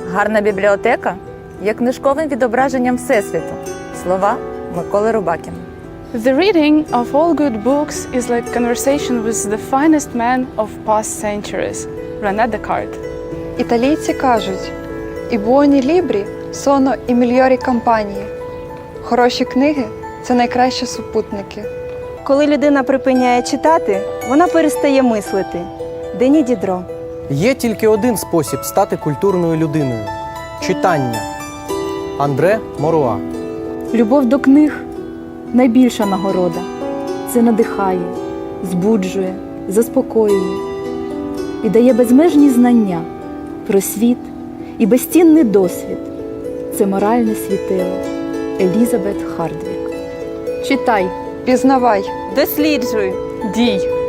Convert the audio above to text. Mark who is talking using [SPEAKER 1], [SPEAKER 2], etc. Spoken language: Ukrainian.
[SPEAKER 1] Гарна бібліотека є книжковим відображенням Всесвіту. Слова Миколи Рубакіна.
[SPEAKER 2] The reading of all good books is like conversation with the finest man of past centuries, René Descartes.
[SPEAKER 3] Італійці кажуть «І буоні лібрі, соно і мільйорі компанії». Хороші книги – це найкращі супутники.
[SPEAKER 4] Коли людина припиняє читати, вона перестає мислити. Дені Дідро.
[SPEAKER 5] Є тільки один спосіб стати культурною людиною – читання. Андре Моруа.
[SPEAKER 6] Любов до книг – найбільша нагорода. Це надихає, збуджує, заспокоює і дає безмежні знання про світ і безцінний досвід. Це моральне світило. Елізабет Хардвік. Читай.
[SPEAKER 3] Пізнавай.
[SPEAKER 4] Досліджуй.
[SPEAKER 2] Дій.